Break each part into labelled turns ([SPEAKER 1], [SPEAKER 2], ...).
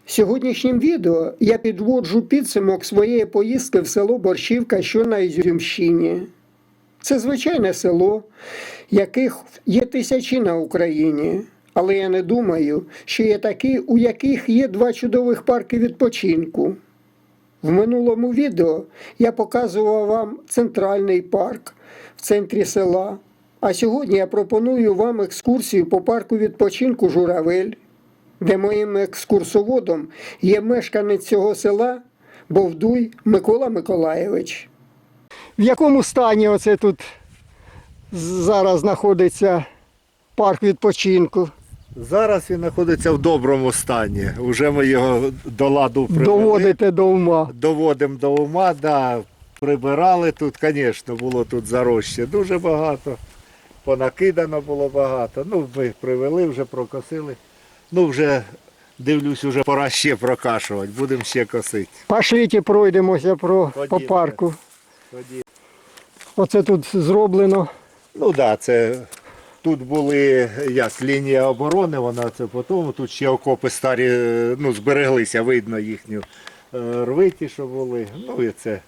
[SPEAKER 1] Сьогоднішнім відео я підводжу підсумок своєї поїздки в село Борщівка, що на Ізюмщині. Це звичайне село, яких є тисячі на Україні. Але я не думаю, що є такі, у яких є два чудових парки відпочинку. В минулому відео я показував вам центральний парк в центрі села. А сьогодні я пропоную вам екскурсію по парку відпочинку «Журавель», де моїм екскурсоводом є мешканець цього села Бовдуй Микола Миколайович. В якому стані оце тут зараз знаходиться парк відпочинку?
[SPEAKER 2] Зараз він знаходиться в доброму стані. Уже ми його до ладу привели.
[SPEAKER 1] Доводите до ума.
[SPEAKER 2] Доводимо до ума, да. Прибирали тут, звісно, було тут зарощі дуже багато. Понакидано було багато. Ну, ми привели, вже прокосили. Ну, вже, дивлюсь, вже пора ще прокашувати. Будемо ще косити.
[SPEAKER 1] Пошліть пройдемося по парку.
[SPEAKER 2] Тоді.
[SPEAKER 1] Оце тут зроблено.
[SPEAKER 2] Ну, так, да, це... Тут були як лінія оборони, вона це потім. Тут ще окопи старі, ну, збереглися, видно їхню рвиті, що були. Ну і це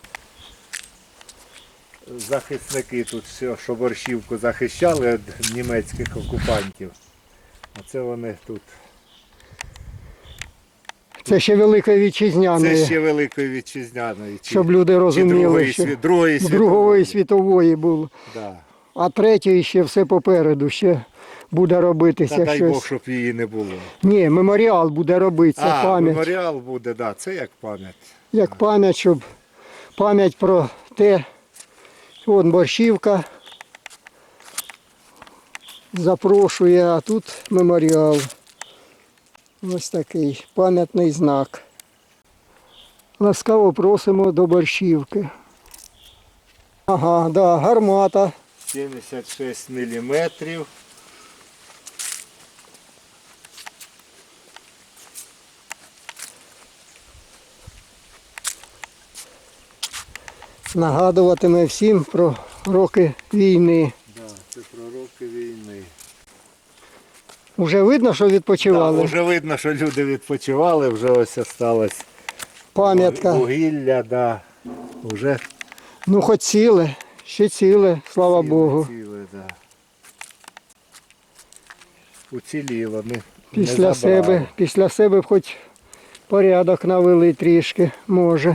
[SPEAKER 2] захисники тут, що Борщівку захищали від німецьких окупантів. А це вони тут.
[SPEAKER 1] Це ще Великої Вітчизняної.
[SPEAKER 2] Це ще Великої Вітчизняної.
[SPEAKER 1] Щоб люди розуміли, що Другої світової було.
[SPEAKER 2] Да.
[SPEAKER 1] А третьої ще все попереду, ще буде робитися
[SPEAKER 2] Та дай
[SPEAKER 1] щось.
[SPEAKER 2] Бог, щоб її не було.
[SPEAKER 1] Ні, меморіал буде робитися, пам'ять.
[SPEAKER 2] Меморіал буде, да, це як пам'ять.
[SPEAKER 1] Як пам'ять, щоб пам'ять про те, вон Борщівка запрошує, а тут меморіал. Ось такий пам'ятний знак. Ласкаво просимо до Борщівки. Ага, да, гармата.
[SPEAKER 2] 76 міліметрів.
[SPEAKER 1] Нагадуватиме всім про роки війни.
[SPEAKER 2] Да, це про роки війни.
[SPEAKER 1] Уже видно, що відпочивали?
[SPEAKER 2] Так, вже видно, що люди відпочивали, вже ось осталось
[SPEAKER 1] Пам'ятка.
[SPEAKER 2] вугілля, да. Уже
[SPEAKER 1] Ну, хоч ціле, ще ціле, слава Богу.
[SPEAKER 2] ціле, да. Уціліло, не
[SPEAKER 1] Після себе б хоч порядок навели трішки, може.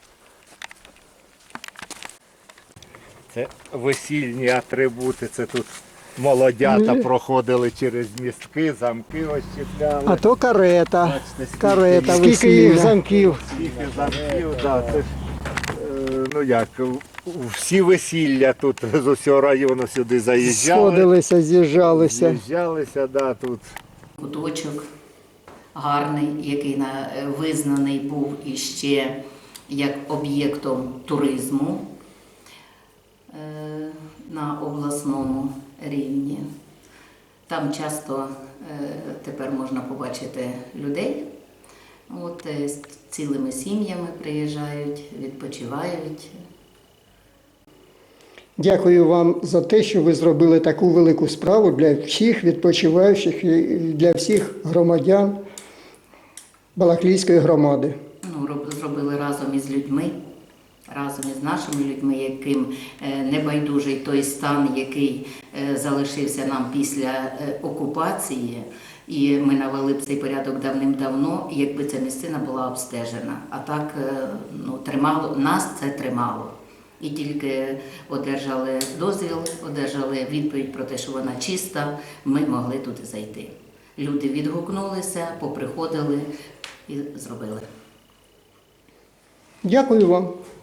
[SPEAKER 2] Це весільні атрибути, це тут молодята проходили через містки, замки ось чіпляли.
[SPEAKER 1] А то карета.
[SPEAKER 2] Бачите,
[SPEAKER 1] Карета,
[SPEAKER 2] скільки
[SPEAKER 1] скільки їх замків.
[SPEAKER 2] Скільки замків, да, це ж, ну як, всі весілля тут з усього району сюди заїжджали.
[SPEAKER 1] Сходилися, з'їжджалися.
[SPEAKER 2] З'їжджалися, да, тут.
[SPEAKER 3] Куточок гарний, який визнаний був іще як об'єктом туризму на обласному рівні. Там часто тепер можна побачити людей. От, з цілими сім'ями приїжджають, відпочивають.
[SPEAKER 1] Дякую вам за те, що ви зробили таку велику справу для всіх відпочиваючих і для всіх громадян Балаклійської громади.
[SPEAKER 3] Ну, зробили разом із людьми, разом із нашими людьми, яким небайдужий той стан, який залишився нам після окупації. І ми навели б цей порядок давним-давно, якби ця місцина була обстежена. А так, ну, нас це тримало. І тільки одержали дозвіл, одержали відповідь про те, що вона чиста, ми могли туди зайти. Люди відгукнулися, поприходили і зробили.
[SPEAKER 1] Дякую вам.